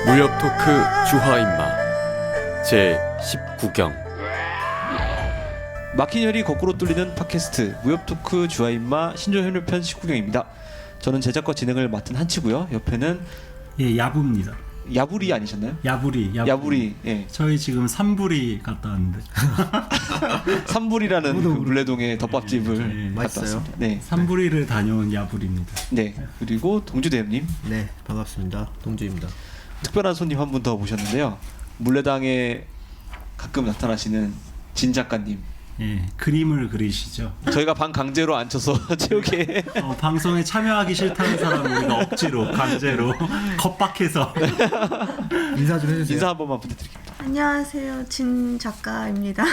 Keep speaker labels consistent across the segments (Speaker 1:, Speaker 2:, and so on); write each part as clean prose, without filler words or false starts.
Speaker 1: 무협 토크 주화인마 제 19경.
Speaker 2: 막힌 혈이 거꾸로 뚫리는 팟캐스트 무협 토크 주화인마 신조현료편 19경입니다. 저는 제작과 진행을 맡은 한치고요. 옆에는
Speaker 3: 예, 야부입니다.
Speaker 2: 야부리 아니셨나요?
Speaker 3: 야부리.
Speaker 2: 예.
Speaker 3: 저희 지금 삼부리 갔다 왔는데.
Speaker 2: 삼불이라는 그 물레동의 덮밥집을
Speaker 3: 예,
Speaker 2: 갔다
Speaker 4: 맛있어요?
Speaker 2: 왔습니다. 네.
Speaker 3: 삼부리를 다녀온 야부리입니다.
Speaker 2: 네. 그리고 동주대님님
Speaker 4: 네, 반갑습니다. 동주입니다.
Speaker 2: 특별한 손님 한 분 더 모셨는데요. 물레당에 가끔 나타나시는 진 작가님.
Speaker 3: 예, 그림을 그리시죠.
Speaker 2: 저희가 방 강제로 앉혀서 채우게
Speaker 3: 방송에 참여하기 싫다는 사람을 우리가 억지로 강제로 겁박해서
Speaker 4: 인사 좀 해주세요.
Speaker 2: 인사 한 번만 부탁드립니다.
Speaker 5: 안녕하세요, 진 작가입니다.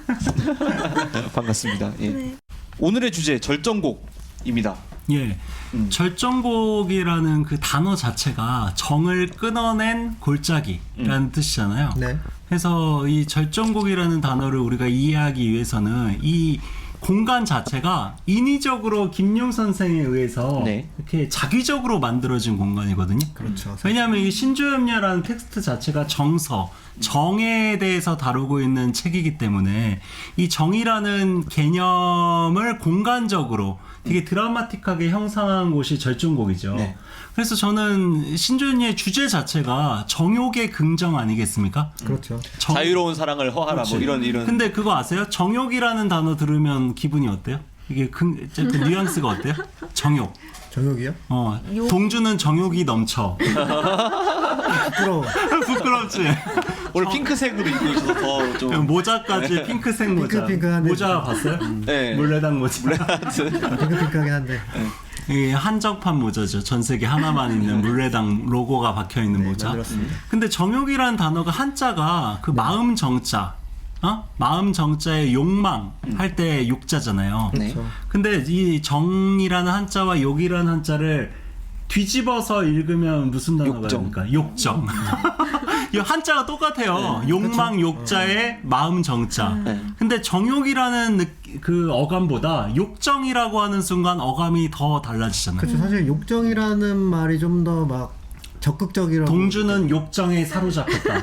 Speaker 2: 반갑습니다. 예.
Speaker 5: 네.
Speaker 2: 오늘의 주제 절정곡입니다.
Speaker 3: 예, 절정곡이라는 그 단어 자체가 정을 끊어낸 골짜기라는 뜻이잖아요.
Speaker 4: 네.
Speaker 3: 그래서 이 절정곡이라는 단어를 우리가 이해하기 위해서는 이 공간 자체가 인위적으로 김용 선생에 의해서
Speaker 2: 네.
Speaker 3: 이렇게 자기적으로 만들어진 공간이거든요.
Speaker 4: 그렇죠.
Speaker 3: 왜냐하면 이 신조염려라는 텍스트 자체가 정에 대해서 다루고 있는 책이기 때문에 이 정이라는 개념을 공간적으로 되게 드라마틱하게 형상한 곳이 절정곡이죠.
Speaker 2: 네.
Speaker 3: 그래서 저는 신조연의 주제 자체가 정욕의 긍정 아니겠습니까?
Speaker 4: 그렇죠.
Speaker 2: 자유로운 사랑을 허하라 뭐 이런
Speaker 3: 근데 그거 아세요? 정욕이라는 단어 들으면 기분이 어때요? 이게 그 뉘앙스가 어때요? 정욕.
Speaker 4: 정혁이요?
Speaker 3: 동주는 정욕이 넘쳐.
Speaker 4: 부끄러워.
Speaker 3: 부끄럽지?
Speaker 2: 오늘 핑크색으로 입고 있어서 더 좀
Speaker 3: 모자까지 핑크색 모자.
Speaker 4: 핑크핑크한데.
Speaker 3: 모자 봤어요?
Speaker 2: 네.
Speaker 3: 물레당 모자.
Speaker 4: 핑크핑크하긴 한데.
Speaker 3: 이 한정판 모자죠. 전 세계 하나만 있는 물레당 로고가 박혀 있는 모자.
Speaker 4: 만들었습니다.
Speaker 3: 근데 정욕이라는 단어가 한자가 그 마음 정자, 마음 정자의 욕망 할 때 욕자잖아요.
Speaker 2: 네.
Speaker 4: 그렇죠.
Speaker 3: 근데 이 정이라는 한자와 욕이라는 한자를 뒤집어서 읽으면 무슨 단어가
Speaker 2: 욕정.
Speaker 3: 됩니까? 욕정. 이 한자가 똑같아요. 욕망 욕자의 마음 정자.
Speaker 2: 네.
Speaker 3: 근데 정욕이라는 그 어감보다 욕정이라고 하는 순간 어감이 더 달라지잖아요.
Speaker 4: 그렇죠. 사실 욕정이라는 말이 좀 더 막 적극적이라고.
Speaker 3: 동주는 욕정에 사로잡혔다.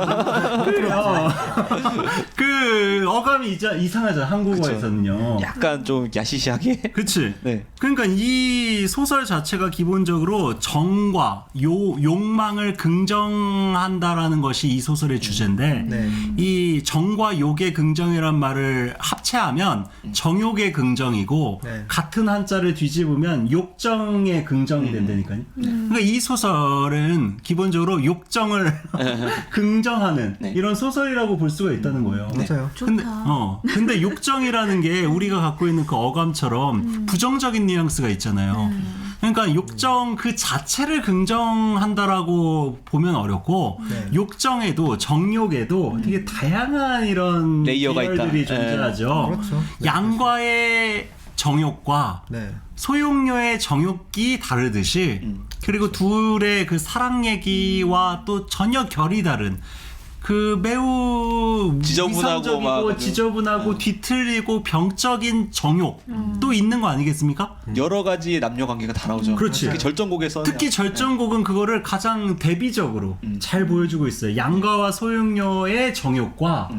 Speaker 3: 그 어감이 이상하잖아, 한국어에서는요.
Speaker 2: 약간 좀 야시시하게.
Speaker 3: 그치?
Speaker 2: 네.
Speaker 3: 그러니까 이 소설 자체가 기본적으로 정과 욕망을 긍정한다라는 것이 이 소설의 주제인데,
Speaker 4: 네.
Speaker 3: 이 정과 욕의 긍정이란 말을 합체하면 정욕의 긍정이고,
Speaker 4: 네.
Speaker 3: 같은 한자를 뒤집으면 욕정의 긍정이 된다니까요. 그러니까 이 소설은 기본적으로 욕정을 긍정하는
Speaker 2: 네.
Speaker 3: 이런 소설이라고 볼 수가 있다는 거예요.
Speaker 4: 맞아요.
Speaker 3: 근데 욕정이라는 게 우리가 갖고 있는 그 어감처럼 부정적인 뉘앙스가 있잖아요. 그러니까 욕정 그 자체를 긍정한다라고 보면 어렵고,
Speaker 4: 네.
Speaker 3: 욕정에도 정욕에도 되게 다양한 이런
Speaker 2: 레이어가 있다.
Speaker 3: 계열들이 존재하죠.
Speaker 4: 그렇죠. 네,
Speaker 3: 양과의 정욕과
Speaker 4: 네.
Speaker 3: 소용료의 정욕이 다르듯이, 그리고 둘의 그 사랑 얘기와 또 전혀 결이 다른 그 매우
Speaker 2: 지저분하고
Speaker 3: 이상적이고
Speaker 2: 막
Speaker 3: 지저분하고 뒤틀리고 병적인 정욕도 있는 거 아니겠습니까?
Speaker 2: 여러 가지 남녀 관계가 다 나오죠.
Speaker 3: 그렇지.
Speaker 2: 특히 절정곡에서는
Speaker 3: 특히 절정곡은 그거를 가장 대비적으로 잘 보여주고 있어요. 양가와 소용료의 정욕과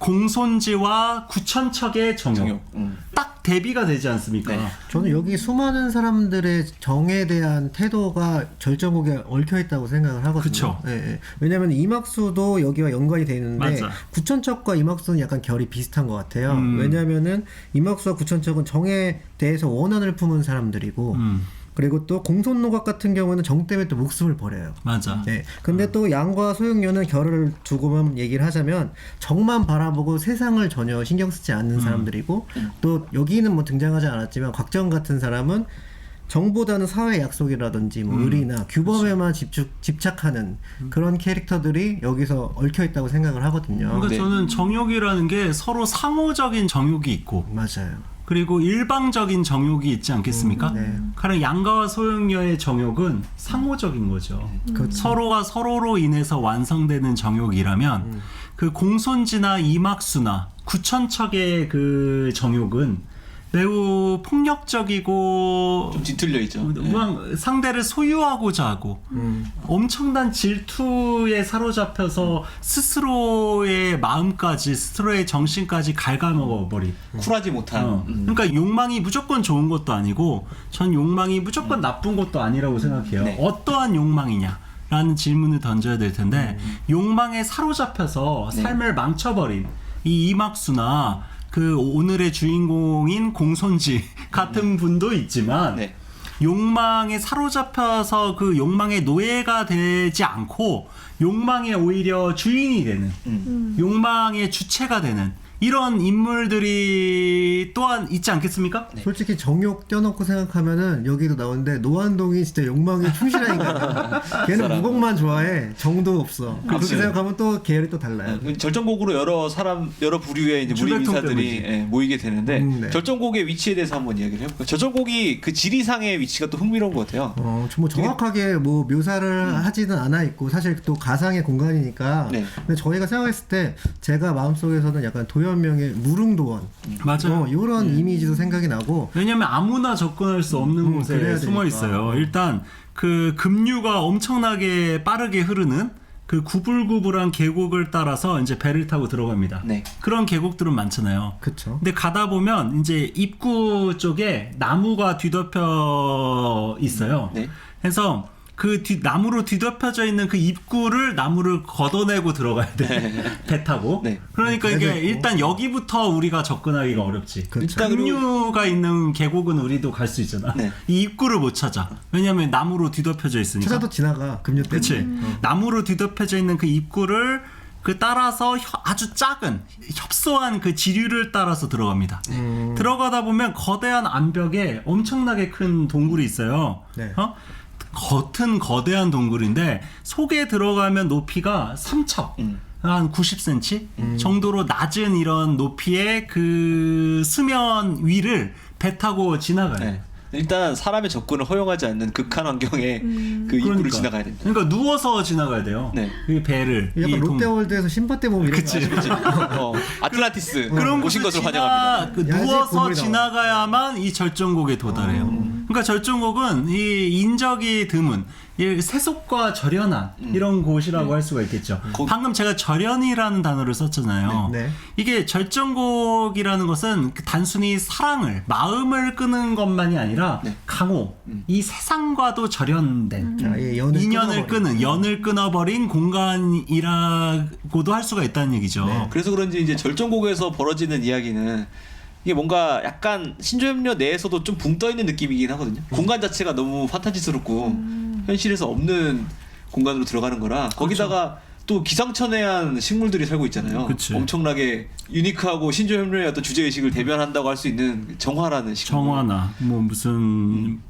Speaker 3: 공손지와 구천척의 정욕.
Speaker 2: 정욕.
Speaker 3: 딱 대비가 되지 않습니까?
Speaker 2: 네.
Speaker 4: 저는 여기 수많은 사람들의 정에 대한 태도가 절정곡에 얽혀 있다고 생각을 하거든요.
Speaker 3: 그쵸.
Speaker 4: 예, 예. 왜냐하면 이막수도 여기와 연관이 돼 있는데
Speaker 3: 맞아.
Speaker 4: 구천척과 이막수는 약간 결이 비슷한 것 같아요.
Speaker 3: 음.
Speaker 4: 왜냐하면은 이막수와 구천척은 정에 대해서 원한을 품은 사람들이고, 그리고 또 공손노각 같은 경우는 정 때문에 또 목숨을 버려요.
Speaker 3: 맞아.
Speaker 4: 네. 근데 또 양과 소용료는 결을 두고만 얘기를 하자면 정만 바라보고 세상을 전혀 신경 쓰지 않는 사람들이고, 또 여기는 뭐 등장하지 않았지만 곽정 같은 사람은 정보다는 사회 약속이라든지 뭐 의리나 규범에만 집착하는 그런 캐릭터들이 여기서 얽혀 있다고 생각을 하거든요.
Speaker 3: 그러니까
Speaker 2: 네.
Speaker 3: 저는 정욕이라는 게 서로 상호적인 정욕이 있고,
Speaker 4: 맞아요.
Speaker 3: 그리고 일방적인 정욕이 있지 않겠습니까?
Speaker 4: 네.
Speaker 3: 가령 양가와 소용료의 정욕은 상호적인 거죠.
Speaker 4: 그렇죠.
Speaker 3: 서로가 서로로 인해서 완성되는 정욕이라면 그 공손지나 이막수나 구천척의 그 정욕은 매우 폭력적이고
Speaker 2: 좀 뒤틀려 있죠.
Speaker 3: 막 상대를 소유하고자 하고 엄청난 질투에 사로잡혀서 스스로의 마음까지 스스로의 정신까지 갉아먹어버린
Speaker 2: 쿨하지 못한.
Speaker 3: 그러니까 욕망이 무조건 좋은 것도 아니고 전 욕망이 무조건 나쁜 것도 아니라고 생각해요.
Speaker 2: 네.
Speaker 3: 어떠한 욕망이냐 라는 질문을 던져야 될 텐데 욕망에 사로잡혀서
Speaker 2: 네.
Speaker 3: 삶을 망쳐버린 이 이막수나 그 오늘의 주인공인 공손지 같은 분도 있지만
Speaker 2: 네.
Speaker 3: 욕망에 사로잡혀서 그 욕망의 노예가 되지 않고 욕망의 오히려 주인이 되는 욕망의 주체가 되는 이런 인물들이 또한 있지 않겠습니까?
Speaker 4: 솔직히 정욕 떼어놓고 생각하면은 여기도 나오는데 노안동이 진짜 욕망에 충실한 인간이야. 걔는 무공만 좋아해. 정도 없어. 그렇게 생각하면 또 계열이 또 달라요.
Speaker 2: 절정곡으로 여러 부류의 이제 무리
Speaker 3: 출발통
Speaker 2: 인사들이
Speaker 3: 때문이지.
Speaker 2: 모이게 되는데
Speaker 4: 네.
Speaker 2: 절정곡의 위치에 대해서 한번 이야기를 해볼까요? 절정곡이 그 지리상의 위치가 또 흥미로운 것 같아요.
Speaker 4: 뭐 정확하게 뭐 묘사를 하지는 않아 있고 사실 또 가상의 공간이니까.
Speaker 2: 네.
Speaker 4: 근데 저희가 생각했을 때 제가 마음속에서는 약간 도현명의 무릉도원
Speaker 3: 맞아요.
Speaker 4: 이런 이미지도 생각이 나고.
Speaker 3: 왜냐면 아무나 접근할 수 없는 곳에
Speaker 4: 그래야
Speaker 3: 숨어
Speaker 4: 되니까.
Speaker 3: 있어요. 일단 그 급류가 엄청나게 빠르게 흐르는 그 구불구불한 계곡을 따라서 이제 배를 타고 들어갑니다.
Speaker 2: 네.
Speaker 3: 그런 계곡들은 많잖아요.
Speaker 4: 그쵸.
Speaker 3: 근데 가다 보면 이제 입구 쪽에 나무가 뒤덮여 있어요.
Speaker 2: 네.
Speaker 3: 그래서 그 나무로 뒤덮여져 있는 그 입구를 나무를 걷어내고 들어가야 돼. 배 타고.
Speaker 2: 네.
Speaker 3: 그러니까 이게
Speaker 4: 배도 있고.
Speaker 3: 일단 여기부터 우리가 접근하기가 어렵지.
Speaker 4: 그렇죠.
Speaker 2: 일단 그리고-
Speaker 3: 급류가 있는 계곡은 우리도 갈 수 있잖아.
Speaker 2: 네.
Speaker 3: 이 입구를 못 찾아. 왜냐면 나무로 뒤덮여져 있으니까.
Speaker 4: 찾아도 지나가 급류 때문에.
Speaker 3: 그치. 나무로 뒤덮여져 있는 그 입구를 그 따라서 아주 작은 협소한 그 지류를 따라서 들어갑니다. 들어가다 보면 거대한 암벽에 엄청나게 큰 동굴이 있어요.
Speaker 4: 네.
Speaker 3: 겉은 거대한 동굴인데 속에 들어가면 높이가 3척. 한 90cm 정도로 낮은 이런 높이의 그 수면 위를 배 타고 지나가요.
Speaker 2: 네. 일단 사람의 접근을 허용하지 않는 극한 환경에 그 입구를
Speaker 3: 그러니까.
Speaker 2: 지나가야 됩니다.
Speaker 3: 그러니까 누워서 지나가야 돼요.
Speaker 2: 네.
Speaker 3: 그 배를.
Speaker 4: 약간
Speaker 3: 이
Speaker 4: 롯데월드에서 신밧데 보면 이런
Speaker 3: 그치.
Speaker 4: 거 아시죠?
Speaker 2: 아틀란티스
Speaker 3: 그런
Speaker 2: 오신
Speaker 3: 곳을
Speaker 2: 것을 환영합니다.
Speaker 3: 그
Speaker 4: 야지
Speaker 3: 누워서
Speaker 4: 건물이
Speaker 3: 지나가야만 이 절정곡에 도달해요. 그러니까 절정곡은 이 인적이 드문 이 세속과 절연한 이런 곳이라고 할 수가 있겠죠. 방금 제가 절연이라는 단어를 썼잖아요.
Speaker 4: 네.
Speaker 3: 이게 절정곡이라는 것은 그 단순히 사랑을 마음을 끄는 것만이 아니라
Speaker 2: 네.
Speaker 3: 강호 이 세상과도 절연된
Speaker 4: 아예 연을
Speaker 3: 인연을
Speaker 4: 끊어버린.
Speaker 3: 끄는 연을 끊어버린 공간이라고도 할 수가 있다는 얘기죠.
Speaker 4: 네.
Speaker 2: 그래서 그런지 이제 절정곡에서 벌어지는 이야기는 이게 뭔가 약간 신조협력 내에서도 좀 붕 떠 있는 느낌이긴 하거든요. 공간 자체가 너무 판타지스럽고 현실에서 없는 공간으로 들어가는 거라 거기다가 또 기상천외한 식물들이 살고 있잖아요.
Speaker 3: 그치.
Speaker 2: 엄청나게 유니크하고 신조협력의 어떤 주제 의식을 대변한다고 할 수 있는 정화라는 식물.
Speaker 3: 정화나 뭐 무슨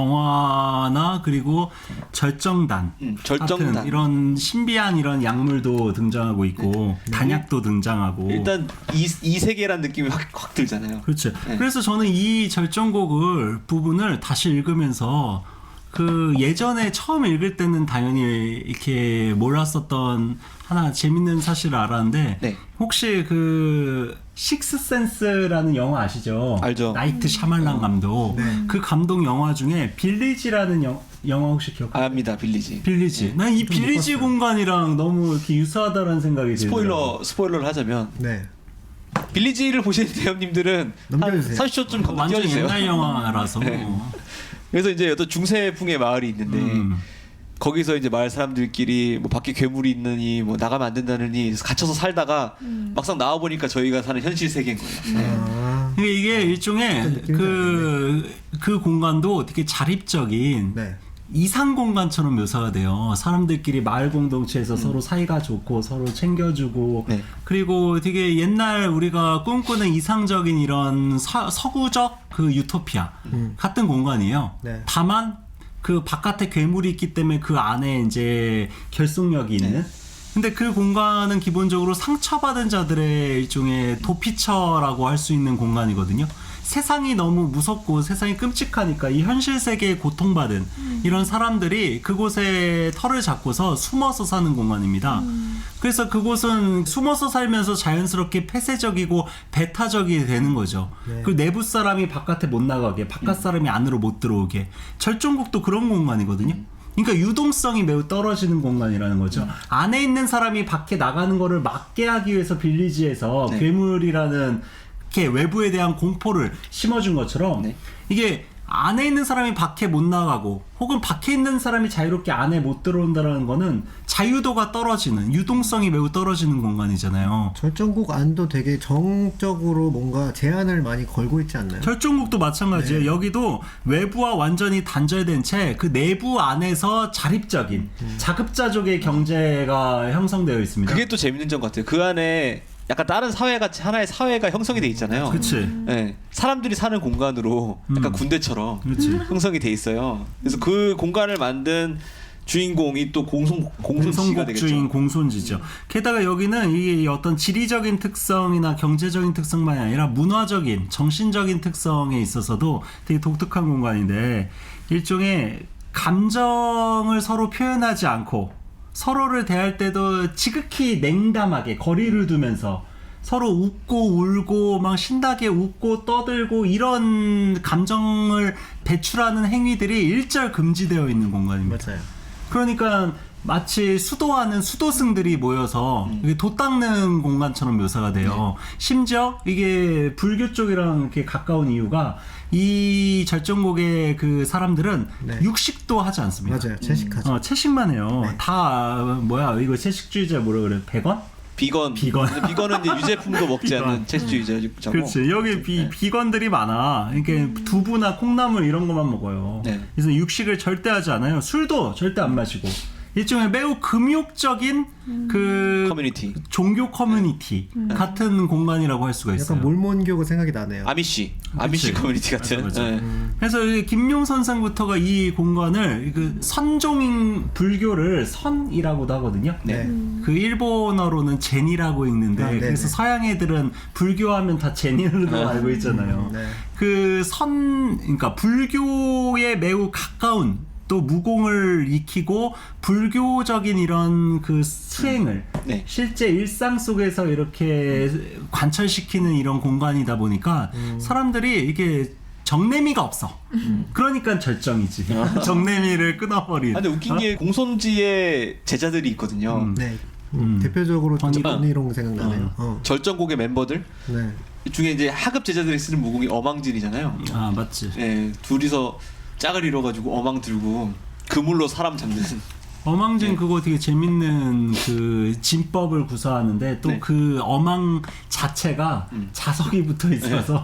Speaker 3: 정화나 그리고 절정단
Speaker 2: 절정단.
Speaker 3: 같은 이런 신비한 이런 약물도 등장하고 있고 단약도 등장하고
Speaker 2: 일단 이 세계란 느낌이 확 들잖아요.
Speaker 3: 그렇죠.
Speaker 2: 네.
Speaker 3: 그래서 저는 이 절정곡을 부분을 다시 읽으면서 그 예전에 처음 읽을 때는 당연히 이렇게 몰랐었던 하나 재밌는 사실을 알았는데
Speaker 2: 네.
Speaker 3: 혹시 그 식스센스라는 영화 아시죠?
Speaker 2: 알죠.
Speaker 3: 나이트 샤말란 감독. 그 감독 영화 중에 빌리지라는 영화 혹시 기억하세요?
Speaker 2: 압니다, 빌리지.
Speaker 3: 빌리지. 난 이 빌리지 공간이랑 너무 이렇게 유사하다는 생각이 들어요.
Speaker 2: 스포일러를 하자면
Speaker 4: 네.
Speaker 2: 빌리지를 보시는 대형님들은 한
Speaker 4: 넘겨주세요.
Speaker 2: 30초쯤 건너
Speaker 3: 완전
Speaker 2: 뛰어주세요.
Speaker 3: 옛날 영화라서.
Speaker 2: 네. 그래서 이제 어떤 중세풍의 마을이 있는데 거기서 이제 마을 사람들끼리 뭐 밖에 괴물이 있느니 뭐 나가면 안 된다느니 갇혀서 살다가 막상 나와 보니까 저희가 사는 현실 세계인 거예요.
Speaker 4: 아,
Speaker 3: 근데 이게 일종의
Speaker 4: 느낌이
Speaker 3: 그 공간도 되게 자립적인
Speaker 4: 네.
Speaker 3: 이상 공간처럼 묘사가 돼요. 사람들끼리 마을 공동체에서 서로 사이가 좋고 서로 챙겨주고
Speaker 2: 네.
Speaker 3: 그리고 되게 옛날 우리가 꿈꾸는 이상적인 이런 서구적 그 유토피아 같은 공간이에요.
Speaker 4: 네.
Speaker 3: 다만 그 바깥에 괴물이 있기 때문에 그 안에 이제 결속력이 있는. 근데 그 공간은 기본적으로 상처받은 자들의 일종의 도피처라고 할 수 있는 공간이거든요. 세상이 너무 무섭고 세상이 끔찍하니까 이 현실 세계에 고통받은 이런 사람들이 그곳에 털을 잡고서 숨어서 사는 공간입니다. 그래서 그곳은 숨어서 살면서 자연스럽게 폐쇄적이고 배타적이 되는 거죠.
Speaker 4: 네.
Speaker 3: 그 내부 사람이 바깥에 못 나가게, 바깥 사람이 안으로 못 들어오게. 절정국도 그런 공간이거든요. 그러니까 유동성이 매우 떨어지는 공간이라는 거죠. 안에 있는 사람이 밖에 나가는 거를 막게 하기 위해서 빌리지에서
Speaker 2: 네.
Speaker 3: 괴물이라는 이렇게 외부에 대한 공포를 심어준 것처럼
Speaker 2: 네.
Speaker 3: 이게 안에 있는 사람이 밖에 못 나가고 혹은 밖에 있는 사람이 자유롭게 안에 못 들어온다는 거는 자유도가 떨어지는, 유동성이 매우 떨어지는 공간이잖아요.
Speaker 4: 절정국 안도 되게 정적으로 뭔가 제한을 많이 걸고 있지 않나요?
Speaker 3: 절정국도 마찬가지예요.
Speaker 4: 네.
Speaker 3: 여기도 외부와 완전히 단절된 채 그 내부 안에서 자립적인 자급자족의 경제가 형성되어 있습니다.
Speaker 2: 그게 또 재밌는 점 같아요. 그 안에 약간 다른 사회 같이 하나의 사회가 형성이 돼 있잖아요.
Speaker 3: 그치.
Speaker 2: 네, 사람들이 사는 공간으로 약간 군대처럼
Speaker 3: 그치.
Speaker 2: 형성이 돼 있어요. 그래서 그 공간을 만든 주인공이 또 공손지가 되겠죠.
Speaker 3: 공성국주인 공손지죠. 게다가 여기는 이 어떤 지리적인 특성이나 경제적인 특성만이 아니라 문화적인, 정신적인 특성에 있어서도 되게 독특한 공간인데 일종의 감정을 서로 표현하지 않고 서로를 대할 때도 지극히 냉담하게 거리를 두면서 서로 웃고 울고 막 신나게 웃고 떠들고 이런 감정을 배출하는 행위들이 일절 금지되어 있는 공간입니다.
Speaker 4: 맞아요.
Speaker 3: 그러니까 마치 수도하는 수도승들이 모여서 이게 돛 닦는 공간처럼 묘사가 돼요. 심지어 이게 불교 쪽이랑 이렇게 가까운 이유가 이 절정곡의 그 사람들은
Speaker 4: 네.
Speaker 3: 육식도 하지 않습니다.
Speaker 4: 맞아요. 채식하죠.
Speaker 3: 채식만 해요.
Speaker 4: 네.
Speaker 3: 다 뭐야 이거 채식주의자 뭐라 그래? 베건?
Speaker 2: 비건.
Speaker 3: 비건.
Speaker 2: 근데 비건은 이제 유제품도 먹지
Speaker 3: 비건.
Speaker 2: 않는 채식주의자고.
Speaker 3: 그렇지. 여기 비건들이 많아. 이렇게 두부나 콩나물 이런 것만 먹어요.
Speaker 2: 네.
Speaker 3: 그래서 육식을 절대 하지 않아요. 술도 절대 안 마시고. 일종의 매우 금욕적인 그
Speaker 2: 커뮤니티.
Speaker 3: 종교 커뮤니티 같은 공간이라고 할 수가 있어요.
Speaker 4: 약간 몰몬교가 생각이 나네요.
Speaker 2: 아미시
Speaker 3: 그치.
Speaker 2: 커뮤니티 같은.
Speaker 3: 맞아, 맞아.
Speaker 2: 네.
Speaker 3: 그래서 이 김용 선생부터가 이 공간을 그 선종인 불교를 선이라고도 하거든요.
Speaker 4: 네.
Speaker 3: 그 일본어로는 제니라고 읽는데
Speaker 4: 아, 네네.
Speaker 3: 그래서 서양 애들은 불교하면 다 제니로 알고 있잖아요.
Speaker 4: 네.
Speaker 3: 그 그러니까 불교에 매우 가까운 또 무공을 익히고 불교적인 이런 그 수행을
Speaker 2: 네.
Speaker 3: 실제 일상 속에서 이렇게 관철시키는 이런 공간이다 보니까 사람들이 이게 정내미가 없어. 그러니까 절정이지. 정내미를 끊어버린.
Speaker 2: 아, 근데 웃긴 게 공손지의 제자들이 있거든요.
Speaker 4: 네. 대표적으로
Speaker 3: 번이롱.
Speaker 4: 번이롱 생각나네요.
Speaker 2: 절정곡의 멤버들
Speaker 4: 네.
Speaker 2: 중에 이제 하급 제자들이 쓰는 무공이 어망진이잖아요.
Speaker 3: 아 맞지.
Speaker 2: 네, 둘이서 짝을 이뤄가지고 어망 들고 그물로 사람 잡는.
Speaker 3: 어망진
Speaker 2: 네.
Speaker 3: 그거 되게 재밌는 그 진법을 구사하는데 또
Speaker 2: 네.
Speaker 3: 그 어망 자체가 자석이 붙어 있어서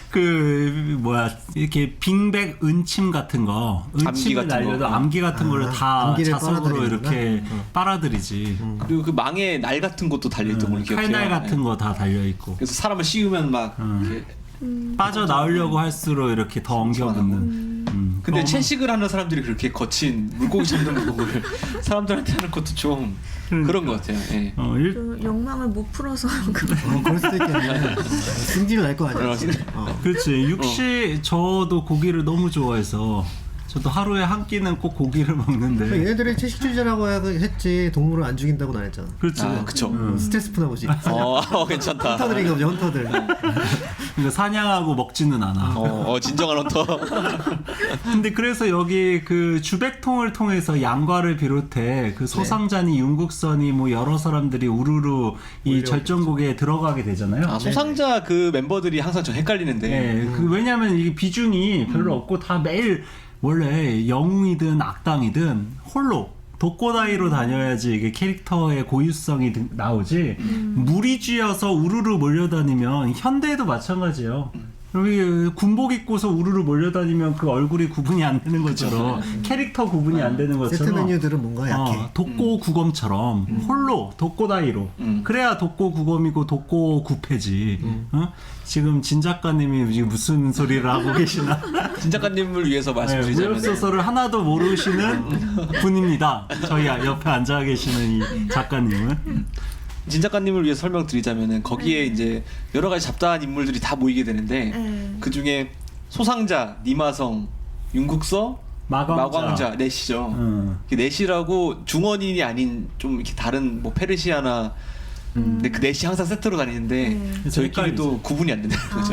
Speaker 3: 그 뭐야 이렇게 빙백 은침 같은 거
Speaker 2: 암기
Speaker 3: 은침을
Speaker 2: 같은
Speaker 3: 날려도
Speaker 2: 거.
Speaker 3: 암기 같은 거를 다
Speaker 4: 암기를
Speaker 3: 자석으로
Speaker 4: 빨아들이는구나.
Speaker 3: 이렇게 빨아들이지.
Speaker 2: 그리고 그 망에 날 같은 것도 달려 있던 걸로 기억해요.
Speaker 3: 칼날 같은
Speaker 2: 네.
Speaker 3: 거 다 달려 있고
Speaker 2: 그래서 사람을 씌우면 막 이렇게.
Speaker 3: 빠져 나오려고 할수록 이렇게 더 엉겨붙는.
Speaker 2: 근데
Speaker 3: 어망-
Speaker 2: 채식을 하는 사람들이 그렇게 거친 물고기 잡는 무공을 사람들한테 하는 것도 좀 그런 것 같아요. 예.
Speaker 5: 그 욕망을 못 풀어서
Speaker 4: 그럴 수도 있겠네. 승질 날 거 아니야.
Speaker 3: 그렇지. 육식 저도 고기를 너무 좋아해서 저도 하루에 한 끼는 꼭 고기를 먹는데.
Speaker 4: 얘네들이 채식주의자라고 했지 동물을 안 죽인다고는 안 했잖아.
Speaker 3: 그렇지.
Speaker 2: 아, 그쵸.
Speaker 4: 스트레스 푸나 보지.
Speaker 2: 괜찮다.
Speaker 4: 헌터들인가 보지, 헌터들.
Speaker 3: 그러니까 사냥하고 먹지는 않아.
Speaker 2: 진정한 헌터.
Speaker 3: 근데 그래서 여기 그 주백통을 통해서 양과를 비롯해 그 소상자니 윤국선이 뭐 여러 사람들이 우르르 이 절정곡에 들어가게 되잖아요.
Speaker 2: 아, 소상자 그 멤버들이 항상 좀 헷갈리는데.
Speaker 3: 네, 그 왜냐하면 이게 비중이 별로 없고 다 매일 원래 영웅이든 악당이든 홀로 독고다이로 다녀야지 이게 캐릭터의 고유성이 나오지 무리쥐여서 우르르 몰려다니면 현대에도 마찬가지예요. 여기 군복 입고서 우르르 몰려다니면 그 얼굴이 구분이 안 되는 것처럼 캐릭터 구분이 안 되는
Speaker 4: 세트
Speaker 3: 것처럼
Speaker 4: 메뉴들은 뭔가 약해.
Speaker 3: 독고 구검처럼 홀로 독고다이로 그래야 독고 구검이고 독고 구패지. 어? 지금 진 작가님이 지금 무슨 소리를 하고 계시나?
Speaker 2: 진 작가님을 위해서
Speaker 3: 네,
Speaker 2: 말씀드리자면
Speaker 3: 무협소설을 하나도 모르시는 분입니다. 저희 옆에 앉아 계시는 이 작가님은.
Speaker 2: 진 작가님을 위해서 설명드리자면은 거기에 이제 여러 가지 잡다한 인물들이 다 모이게 되는데
Speaker 5: 네.
Speaker 2: 그 중에 소상자, 니마성, 윤국서, 마광자 넷이죠. 그 넷이라고 중원인이 아닌 좀 이렇게 다른 뭐 페르시아나 근데 그 넷이 항상 세트로 다니는데 저희끼리도 구분이 안 된다는 거죠.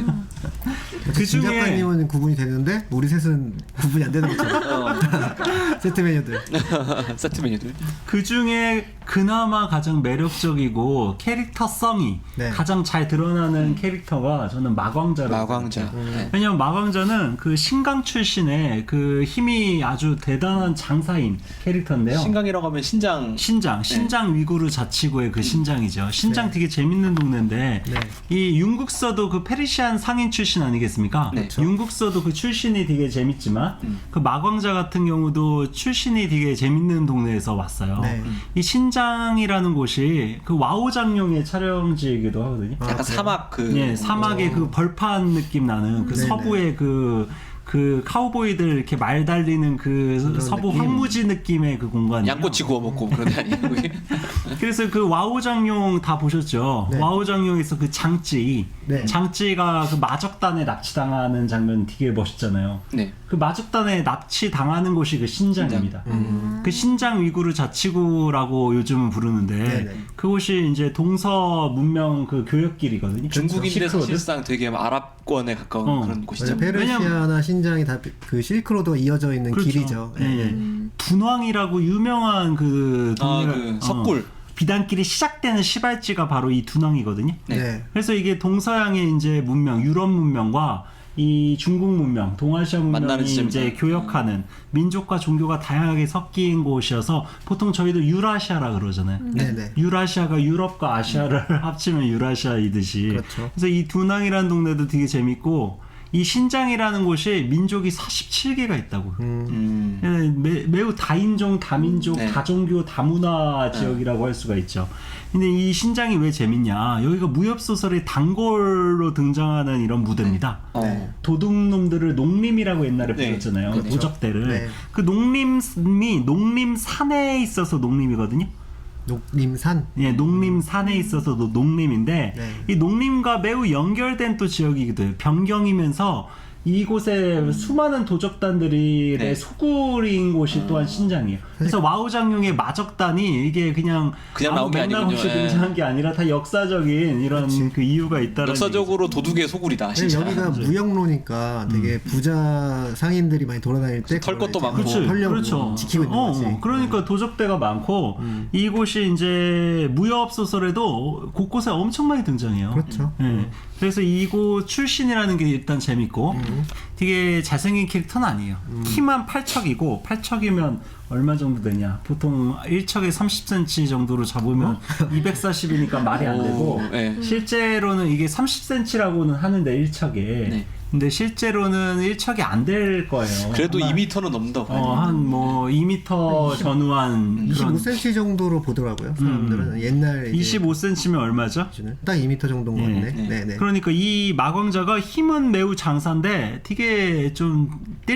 Speaker 3: 그
Speaker 4: 진
Speaker 3: 중에
Speaker 4: 작가님은 구분이 되는데 우리 셋은 구분이 안 되는 거죠. 세트 메뉴들.
Speaker 2: 세트 메뉴들.
Speaker 3: 그 중에 그나마 가장 매력적이고 캐릭터성이
Speaker 4: 네.
Speaker 3: 가장 잘 드러나는 캐릭터가 저는 마광자라고
Speaker 2: 마광자. 네.
Speaker 3: 왜냐면 마광자는 그 신강 출신의 그 힘이 아주 대단한 장사인 캐릭터인데요.
Speaker 2: 신강이라고 하면 신장.
Speaker 3: 신장 위구르 자치구의 그 신장이죠. 신장
Speaker 4: 네.
Speaker 3: 되게 재밌는 동네인데
Speaker 4: 네.
Speaker 3: 이 윤국서도 그 페르시안 상인 출신 아니겠습니까?
Speaker 2: 네.
Speaker 3: 윤국서도 그 출신이 되게 재밌지만 그 마광자 같은 경우도 출신이 되게 재밌는 동네에서 왔어요.
Speaker 4: 네.
Speaker 3: 이 신장이라는 곳이 그 와우장룡의 촬영지이기도 하거든요.
Speaker 4: 아,
Speaker 2: 약간
Speaker 4: 그래요?
Speaker 2: 사막 그.
Speaker 3: 예, 사막의 그 벌판 느낌 나는 그
Speaker 4: 네네.
Speaker 3: 서부의 그 카우보이들 이렇게 말 달리는 그 서부
Speaker 4: 느낌.
Speaker 3: 황무지 느낌의 그 공간이에요.
Speaker 2: 양꼬치 구워 먹고 그런 데 아니에요? 거기?
Speaker 3: 그래서 그 와우장룡 다 보셨죠?
Speaker 4: 네.
Speaker 3: 와우장룡에서 그 장찌,
Speaker 4: 네.
Speaker 3: 장찌가 그 마적단에 납치당하는 장면 되게 멋있잖아요.
Speaker 2: 네.
Speaker 3: 그 마적단에 납치당하는 곳이 그 신장입니다. 그 신장 위구르 자치구라고 요즘은 부르는데
Speaker 4: 네네.
Speaker 3: 그곳이 이제 동서 문명 그 교역길이거든요.
Speaker 2: 중국인데
Speaker 3: 실크로드?
Speaker 2: 사실상 되게 아랍권에 가까운
Speaker 3: 어.
Speaker 2: 그런 곳이죠.
Speaker 4: 맞아요. 페르시아나 신장이 다 그 실크로드가 이어져 있는
Speaker 3: 그렇죠.
Speaker 4: 길이죠.
Speaker 3: 예, 예. 둔왕이라고 유명한 그 동네가
Speaker 2: 그 석굴.
Speaker 3: 비단길이 시작되는 시발지가 바로 이 둔왕이거든요.
Speaker 2: 네.
Speaker 4: 네.
Speaker 3: 그래서 이게 동서양의 이제 문명, 유럽 문명과 이 중국 문명, 동아시아
Speaker 2: 만나는
Speaker 3: 문명이
Speaker 2: 지점이다.
Speaker 3: 이제 교역하는 민족과 종교가 다양하게 섞인 곳이어서 보통 저희도 유라시아라 그러잖아요.
Speaker 4: 네네.
Speaker 3: 유라시아가 유럽과 아시아를 합치면 유라시아이듯이.
Speaker 4: 그렇죠.
Speaker 3: 그래서 이 둔왕이라는 동네도 되게 재밌고 이 신장이라는 곳이 민족이 47개가 있다고. 매우 다인종, 다민족,
Speaker 2: 네.
Speaker 3: 다종교, 다문화 지역이라고 할 수가 있죠. 근데 이 신장이 왜 재밌냐? 여기가 무협소설의 단골로 등장하는 이런 무대입니다.
Speaker 2: 어.
Speaker 3: 도둑놈들을 농림이라고 옛날에
Speaker 2: 네.
Speaker 3: 불렀잖아요.
Speaker 2: 그렇죠.
Speaker 3: 도적대를.
Speaker 4: 네.
Speaker 3: 그 농림이 농림산에 있어서 농림이거든요.
Speaker 4: 녹림산.
Speaker 3: 예, 농림산에 있어서도 농림인데
Speaker 4: 네.
Speaker 3: 이 농림과 매우 연결된 또 지역이기도 해요. 변경이면서 이곳에 수많은 도적단들이
Speaker 2: 네.
Speaker 3: 소굴인 곳이 또한 신장이에요. 그래서 와우장룡의 마적단이 이게 그냥
Speaker 2: 나온 게
Speaker 3: 맥락 없이
Speaker 2: 아니군요. 예.
Speaker 3: 등장한 게 아니라 다 역사적인 이런 그 이유가 있다는
Speaker 2: 역사적으로 도둑의 소굴이다.
Speaker 4: 네,
Speaker 2: 진짜.
Speaker 4: 여기가 무역로니까 되게 부자 상인들이 많이 돌아다닐 때
Speaker 2: 털 것도
Speaker 4: 그걸
Speaker 2: 많고.
Speaker 4: 이제 털려고
Speaker 3: 그렇죠.
Speaker 4: 지키고 있는 거지.
Speaker 3: 그러니까 도적대가 많고 이곳이 이제 무협 소설에도 곳곳에 엄청 많이 등장해요.
Speaker 4: 그렇죠.
Speaker 3: 예. 그래서 이곳 출신이라는 게 일단 재밌고 되게 잘생긴 캐릭터는 아니에요. 키만 8척이고 8척이면 얼마 정도 되냐? 보통 1척에 30cm 정도로 잡으면 240이니까 말이 안 되고
Speaker 2: 네.
Speaker 3: 실제로는 이게 30cm라고는 하는데 1척에
Speaker 2: 네.
Speaker 3: 근데 실제로는 1척이 안 될 거예요.
Speaker 2: 그래도
Speaker 3: 아마
Speaker 2: 2m는 넘는다고.
Speaker 3: 한 뭐 2m 전후한 그런
Speaker 4: 25cm 정도로 보더라고요. 사람들은 옛날 이제
Speaker 3: 25cm면 얼마죠?
Speaker 4: 기준은 딱 2m 정도인 것 같네. 네네.
Speaker 3: 그러니까 이 마광자가 힘은 매우 장사인데 되게 좀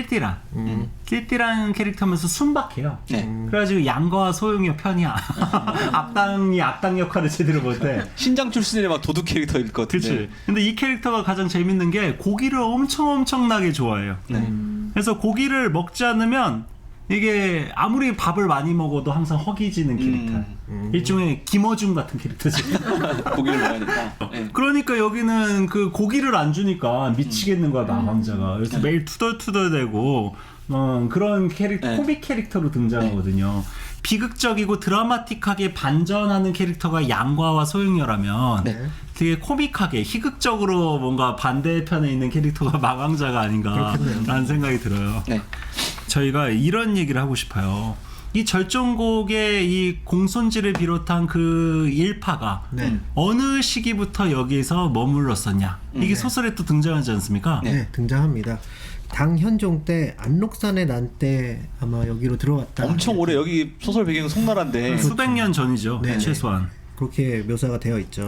Speaker 3: 띨띨한 캐릭터면서 순박해요.
Speaker 2: 네.
Speaker 3: 그래가지고 양과 소용이 편이야. 악당이 악당 역할을 제대로 못해.
Speaker 2: 신장 출신의 막 도둑 캐릭터일 것 같은데.
Speaker 3: 그렇지. 근데 이 캐릭터가 가장 재밌는 게 고기를 엄청나게 좋아해요.
Speaker 2: 네.
Speaker 3: 그래서 고기를 먹지 않으면 이게 아무리 밥을 많이 먹어도 항상 허기지는 캐릭터. 일종의 김어준 같은 캐릭터지.
Speaker 2: 고기를 먹어야 된다. 네.
Speaker 3: 그러니까 여기는 그 고기를 안 주니까 미치겠는 거야 마왕자가. 그래서 매일 투덜투덜대고 그런 캐릭터,
Speaker 2: 네.
Speaker 3: 코믹 캐릭터로 등장하거든요. 비극적이고 드라마틱하게 반전하는 캐릭터가 양과와 소용녀라면
Speaker 2: 네.
Speaker 3: 되게 코믹하게 희극적으로 뭔가 반대편에 있는 캐릭터가 마왕자가 아닌가라는 생각이 들어요.
Speaker 2: 네.
Speaker 3: 저희가 이런 얘기를 하고 싶어요. 이 절정곡의 이 공손지를 비롯한 그 일파가
Speaker 4: 네.
Speaker 3: 어느 시기부터 여기에서 머물렀었냐. 이게 소설에 또 등장하지 않습니까?
Speaker 4: 네, 등장합니다. 당현종 때 안록산의 난 때 아마 여기로 들어왔다.
Speaker 2: 엄청 오래 여기 소설 배경은 송나라인데
Speaker 3: 수백 년 전이죠.
Speaker 4: 네네.
Speaker 3: 최소한.
Speaker 4: 그렇게 묘사가 되어 있죠.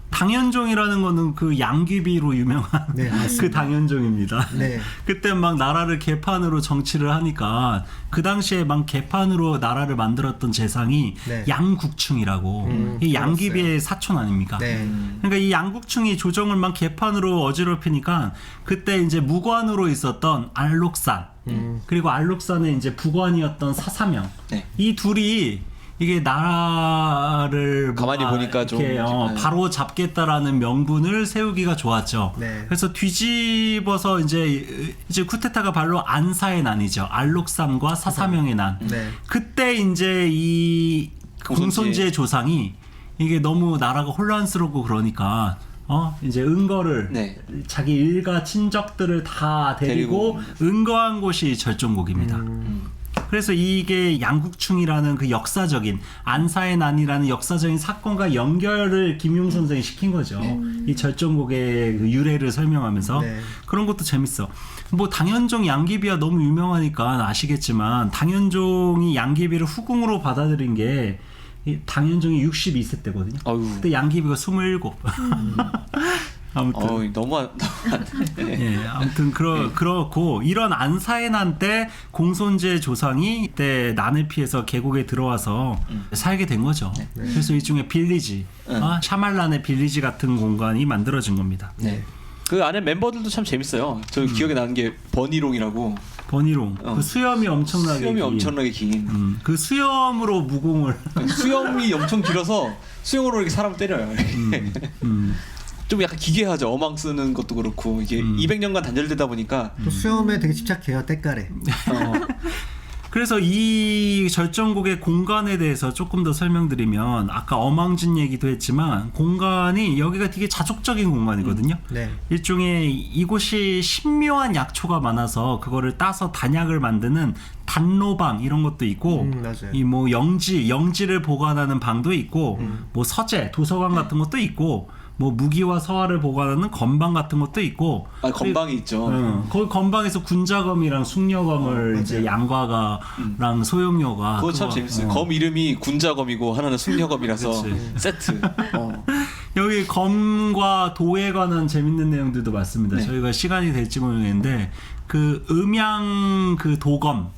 Speaker 3: 당현종이라는 거는 그 양귀비로 유명한
Speaker 4: 네, 맞습니다.
Speaker 3: 그 당현종입니다.
Speaker 4: 네.
Speaker 3: 그때 막 나라를 개판으로 정치를 하니까 그 당시에 막 개판으로 나라를 만들었던 재상이
Speaker 4: 네.
Speaker 3: 양국충이라고 이 양귀비의 사촌 아닙니까?
Speaker 4: 네.
Speaker 3: 그러니까 이 양국충이 조정을 막 개판으로 어지럽히니까 그때 이제 무관으로 있었던 알록산 그리고 알록산의 이제 부관이었던 사사명
Speaker 2: 네.
Speaker 3: 이 둘이 이게 나라를
Speaker 2: 가만히
Speaker 3: 뭔가
Speaker 2: 보니까 좀
Speaker 3: 이렇게 바로 잡겠다라는 명분을 세우기가 좋았죠.
Speaker 4: 네.
Speaker 3: 그래서 뒤집어서 이제 쿠데타가 바로 안사의 난이죠. 알록산과 사사명의 난.
Speaker 4: 네.
Speaker 3: 그때 이제 이 공손지의 조상이 이게 너무 나라가 혼란스럽고 그러니까 이제 은거를
Speaker 2: 네.
Speaker 3: 자기 일가 친척들을 다 데리고 은거한 곳이 절정곡입니다. 그래서 이게 양국충이라는 그 역사적인 안사의 난이라는 역사적인 사건과 연결을 김용 선생이 시킨 거죠. 이 절정곡의 그 유래를 설명하면서
Speaker 4: 네.
Speaker 3: 그런 것도 재밌어. 뭐 당현종 양귀비가 너무 유명하니까 아시겠지만 당현종이 양귀비를 후궁으로 받아들인 게 이 당현종이 62세 때거든요.
Speaker 2: 어휴.
Speaker 3: 그때 양귀비가 27. 아무튼
Speaker 2: 너무 네.
Speaker 3: 예, 아무튼 그렇고 이런 안사의 난 때 공손제 조상이 이때 난을 피해서 계곡에 들어와서 살게 된 거죠. 그래서 일종의 빌리지, 샤말란의 빌리지 같은 공간이 만들어진 겁니다.
Speaker 2: 네. 그 안에 멤버들도 참 재밌어요. 저 기억에 나는 게 버니롱이라고.
Speaker 3: 버니롱, 그 수염이 엄청나게
Speaker 2: 수염이
Speaker 3: 긴.
Speaker 2: 엄청나게 긴.
Speaker 3: 그 수염으로 무공을
Speaker 2: 수염이 엄청 길어서 수염으로 이렇게 사람 때려요. 좀 약간 기괴하죠. 어망 쓰는 것도 그렇고 이게 200년간 단절되다 보니까
Speaker 4: 또 수염에 되게 집착해요. 때깔에.
Speaker 3: 그래서 이 절정곡의 공간에 대해서 조금 더 설명드리면 아까 어망진 얘기도 했지만 공간이 여기가 되게 자족적인 공간이거든요.
Speaker 4: 네.
Speaker 3: 일종의 이곳이 신묘한 약초가 많아서 그거를 따서 단약을 만드는 단로방 이런 것도 있고
Speaker 4: 맞아요.
Speaker 3: 이 뭐 영지를 보관하는 방도 있고 뭐 서재 도서관 같은 것도 있고 뭐 무기와 서화를 보관하는 건방 같은 것도 있고
Speaker 2: 건방이 있죠.
Speaker 3: 거기 건방에서 군자검이랑 숙녀검을 이제 양과가랑 소용료가
Speaker 2: 그거 참 재밌어요. 검 이름이 군자검이고 하나는 숙녀검이라서 세트.
Speaker 3: 여기 검과 도에 관한 재밌는 내용들도 많습니다.
Speaker 2: 네.
Speaker 3: 저희가 시간이 될지 모르겠는데 그 음양 그 도검을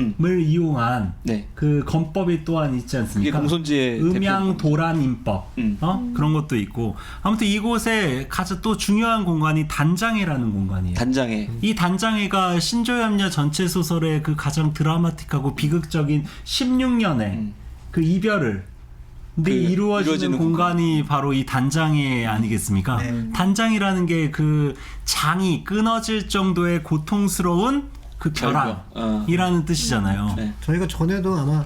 Speaker 3: 이용한
Speaker 2: 네.
Speaker 3: 그 검법이 또한 있지 않습니까?
Speaker 2: 이게 공손지의
Speaker 3: 음양 도란임법 그런 것도 있고 아무튼 이곳에 가장 또 중요한 공간이 단장회라는 공간이에요.
Speaker 2: 단장회.
Speaker 3: 이 단장회가 신조협녀 전체 소설의 그 가장 드라마틱하고 비극적인 16년의 그 이별을 이루어지는
Speaker 2: 이루어지는
Speaker 3: 공간이 바로 이 단장회 아니겠습니까?
Speaker 4: 네.
Speaker 3: 단장이라는 게 그 장이 끊어질 정도의 고통스러운 그 결함이라는 뜻이잖아요.
Speaker 2: 네.
Speaker 4: 저희가 전에도 아마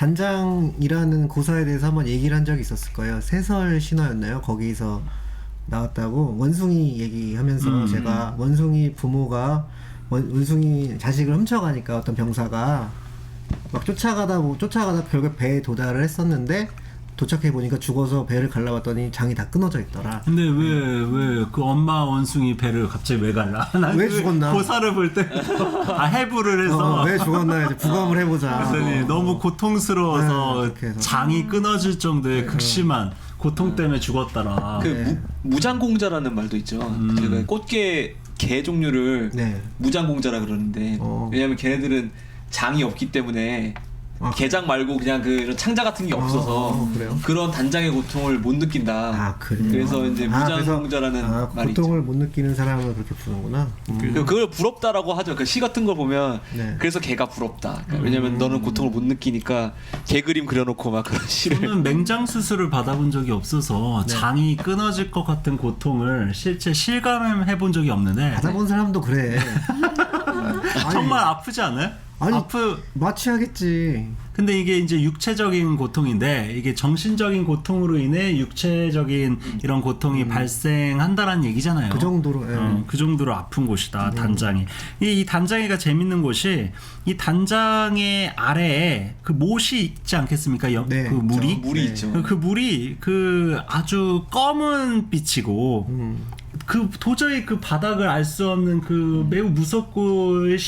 Speaker 4: 단장이라는 고사에 대해서 한번 얘기를 한 적이 있었을 거예요. 세설 신화였나요? 거기서 나왔다고 원숭이 얘기하면서 제가 원숭이 부모가 원숭이 자식을 훔쳐가니까 어떤 병사가 막 쫓아가다 결국 배에 도달을 했었는데 도착해 보니까 죽어서 배를 갈라봤더니 장이 다 끊어져 있더라.
Speaker 3: 근데 왜 그 엄마 원숭이 배를 갑자기 왜 갈라?
Speaker 4: 왜 죽었나?
Speaker 3: 고사를 볼 때 해부를 해서
Speaker 4: 왜 죽었나 이제 부검을 해보자.
Speaker 3: 그랬더니 너무 고통스러워서
Speaker 4: 네, 그렇게 해서.
Speaker 3: 장이 끊어질 정도의 극심한 고통 때문에 죽었더라.
Speaker 2: 그 무장공자라는 말도 있죠. 그 꽃게 개 종류를
Speaker 4: 네.
Speaker 2: 무장공자라 그러는데 왜냐면 걔네들은 장이 없기 때문에 게장 말고 그냥 그 이런 창자 같은 게 없어서
Speaker 4: 그래요?
Speaker 2: 그런 단장의 고통을 못 느낀다.
Speaker 4: 그래요?
Speaker 2: 그래서 이제 무장공자라는 말이 있죠.
Speaker 4: 고통을 못 느끼는 사람을 그렇게 부르는구나.
Speaker 2: 그걸 부럽다라고 하죠. 그 시 같은 걸 보면
Speaker 4: 네.
Speaker 2: 그래서 개가 부럽다. 그러니까 왜냐면 너는 고통을 못 느끼니까 개 그림 그려놓고 막 그런 시를.
Speaker 3: 저는 맹장 수술을 받아본 적이 없어서 장이 끊어질 것 같은 고통을 실제 실감해 본 적이 없는데
Speaker 4: 받아본 사람도 그래.
Speaker 3: 정말 아프지 않아요?
Speaker 4: 마취하겠지.
Speaker 3: 근데 이게 이제 육체적인 고통인데 이게 정신적인 고통으로 인해 육체적인 이런 고통이 발생한다라는 얘기잖아요.
Speaker 4: 그 정도로.
Speaker 3: 그 정도로 아픈 곳이다. 단장이. 이 단장이가 재밌는 곳이 이 단장의 아래에 그 못이 있지 않겠습니까?
Speaker 4: 네,
Speaker 3: 그 물이
Speaker 2: 물이 있죠.
Speaker 3: 그 물이 그 아주 검은 빛이고 그 도저히 그 바닥을 알 수 없는 그 매우 무섭고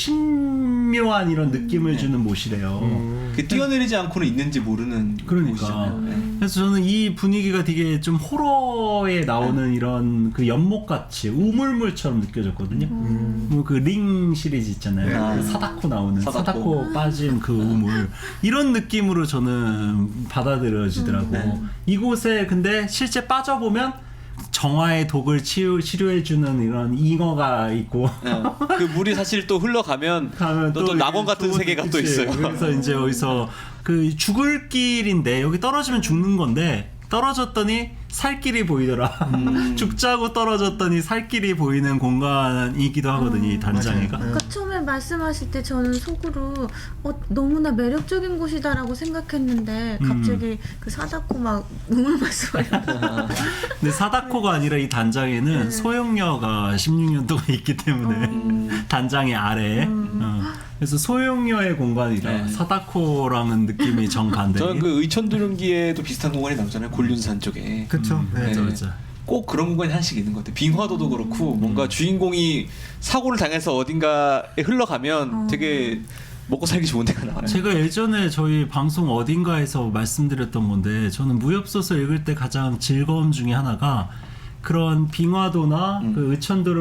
Speaker 3: 신묘한 이런 느낌을 주는 못이래요.
Speaker 2: 그 뛰어내리지 않고는 있는지 모르는
Speaker 3: 그러니까.
Speaker 2: 곳이잖아요. 네.
Speaker 3: 그래서 저는 이 분위기가 되게 좀 호러에 나오는 이런 그 연못같이 우물물처럼 느껴졌거든요. 뭐 그 링 시리즈 있잖아요.
Speaker 2: 네.
Speaker 3: 그 사다코 나오는
Speaker 2: 사다코.
Speaker 3: 사다코 빠진 그 우물 이런 느낌으로 저는 받아들여지더라고. 이곳에 근데 실제 빠져보면 정화의 독을 치료해주는 이런 잉어가 있고
Speaker 2: 그 물이 사실 또 흘러가면
Speaker 3: 가면
Speaker 2: 또 낙원 같은
Speaker 3: 좋은-
Speaker 2: 세계가 또
Speaker 3: 그치.
Speaker 2: 있어요.
Speaker 3: 그래서 이제 여기서 그 죽을 길인데 여기 떨어지면 죽는 건데 떨어졌더니 살 길이 보이더라. 죽자고 떨어졌더니 살 길이 보이는 공간이기도 하거든요. 이 단장이가.
Speaker 4: 맞아요.
Speaker 5: 아까 처음에 말씀하실 때 저는 속으로 너무나 매력적인 곳이다라고 생각했는데 갑자기 그 사다코 막 우물 말씀하셨어요.
Speaker 3: 근데 사다코가 아니라 이 단장에는 소용녀가 16년 동안 있기 때문에 단장의 아래에 그래서 소용녀의 공간이라
Speaker 2: 네.
Speaker 3: 사다코랑은 느낌이 정반대.
Speaker 2: 저는 그 의천두릉기에도 비슷한 공간이 나오잖아요. 곤륜산 쪽에.
Speaker 4: 그렇죠. 네.
Speaker 3: 맞아 맞아.
Speaker 2: 꼭 그런 공간이 하나씩 있는 것 같아요. 빙화도도 그렇고 뭔가 주인공이 사고를 당해서 어딘가에 흘러가면 되게 먹고 살기 좋은 데가 나와요.
Speaker 3: 제가 예전에 저희 방송 어딘가에서 말씀드렸던 건데 저는 무협소설 읽을 때 가장 즐거움 중에 하나가 그런 빙화도나 그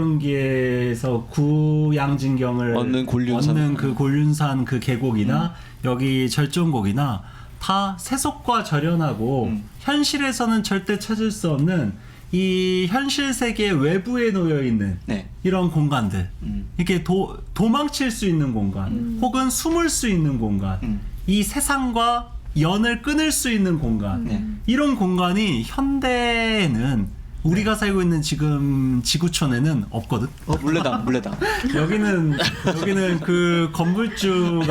Speaker 3: 의천도릉기에서 구양진경을
Speaker 2: 얻는 곤륜산.
Speaker 3: 얻는 그 곤륜산 그 계곡이나 여기 절정곡이나 다 세속과 절연하고 현실에서는 절대 찾을 수 없는 이 현실 세계 외부에 놓여 있는
Speaker 2: 네.
Speaker 3: 이런 공간들 이렇게 도망칠 수 있는 공간 혹은 숨을 수 있는 공간 이 세상과 연을 끊을 수 있는 공간
Speaker 2: 네.
Speaker 3: 이런 공간이 현대에는 우리가 살고 있는 지금 지구촌에는 없거든.
Speaker 2: 물레당, 물레당.
Speaker 3: 여기는 그 건물주가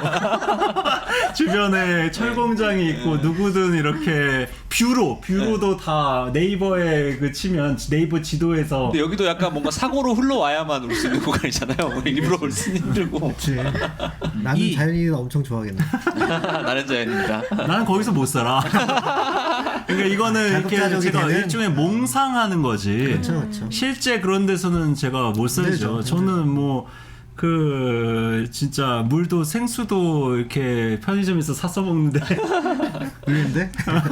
Speaker 3: 있고 주변에 철공장이 있고 누구든 이렇게 뷰로도 다 네이버에 그 치면 네이버 지도에서
Speaker 2: 근데 여기도 약간 뭔가 사고로 흘러와야만 올 수 있는 공간이잖아요. 우리 일부러 올 수는 힘들고.
Speaker 4: 그치. 나는 자연이 엄청 좋아하겠네.
Speaker 2: 나는 자연입니다.
Speaker 3: 나는 거기서 못 살아. 그러니까 이거는 이렇게
Speaker 4: 자급자족이
Speaker 3: 제가
Speaker 4: 되는?
Speaker 3: 일종의 몽상하는 거지.
Speaker 4: 그렇죠.
Speaker 3: 실제 그런 데서는 제가 못 살죠.
Speaker 4: 힘들죠.
Speaker 3: 저는 뭐 그 진짜 물도 생수도 이렇게 편의점에서 사서 먹는데
Speaker 4: 있는데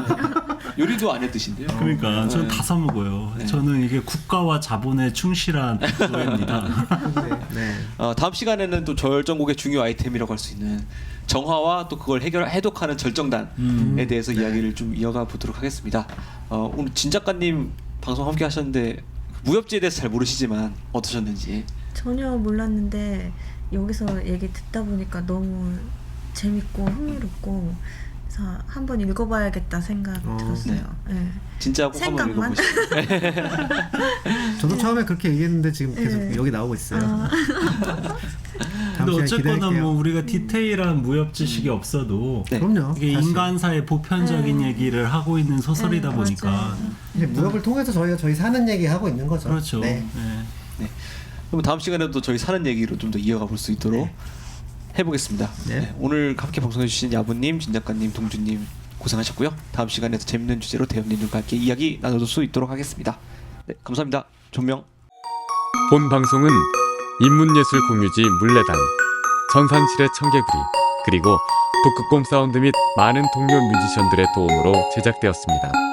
Speaker 2: 요리도 안 해 드신대요.
Speaker 3: 그러니까 저는 다 사 먹어요. 저는 이게 국가와 자본에 충실한 노예입니다.
Speaker 4: 네.
Speaker 2: 다음 시간에는 또 절정곡의 중요 아이템이라고 할 수 있는 정화와 또 그걸 해독하는 절정단에 대해서 이야기를 좀 이어가 보도록 하겠습니다. 오늘 진 작가님 방송 함께 하셨는데 무협지에 대해서 잘 모르시지만 어떠셨는지.
Speaker 5: 전혀 몰랐는데 여기서 얘기 듣다 보니까 너무 재밌고 흥미롭고 그래서 한번 읽어봐야겠다 생각 들었어요. 네.
Speaker 2: 진짜 꼭 한번
Speaker 5: 생각만?
Speaker 2: 읽어보시죠.
Speaker 4: 저도 처음에 그렇게 얘기했는데 지금 계속
Speaker 5: 네.
Speaker 4: 여기 나오고 있어요.
Speaker 3: 근데
Speaker 4: 시간
Speaker 3: 어쨌거나
Speaker 4: 기대할게요.
Speaker 3: 뭐 우리가 디테일한 무협 지식이 없어도
Speaker 2: 네.
Speaker 4: 그럼요.
Speaker 3: 이게
Speaker 4: 사실.
Speaker 3: 인간사의 보편적인 얘기를 하고 있는 소설이다
Speaker 5: 네,
Speaker 3: 보니까
Speaker 5: 맞아요.
Speaker 4: 이제 무협을 통해서 저희가 저희 사는 얘기 하고 있는 거죠.
Speaker 3: 그렇죠.
Speaker 4: 네.
Speaker 3: 네.
Speaker 2: 그럼 다음 시간에도 저희 사는 얘기로 좀 더 이어가 볼 수 있도록 해보겠습니다.
Speaker 4: 네.
Speaker 2: 네, 오늘 함께 방송해주신 야부님, 진 작가님, 동주님 고생하셨고요. 다음 시간에도 재밌는 주제로 대현님과 함께 이야기 나눌 수 있도록 하겠습니다. 네, 감사합니다. 존명.
Speaker 1: 본 방송은 인문예술 공유지 물레단, 전산실의 청개구리, 그리고 북극곰 사운드 및 많은 동료 뮤지션들의 도움으로 제작되었습니다.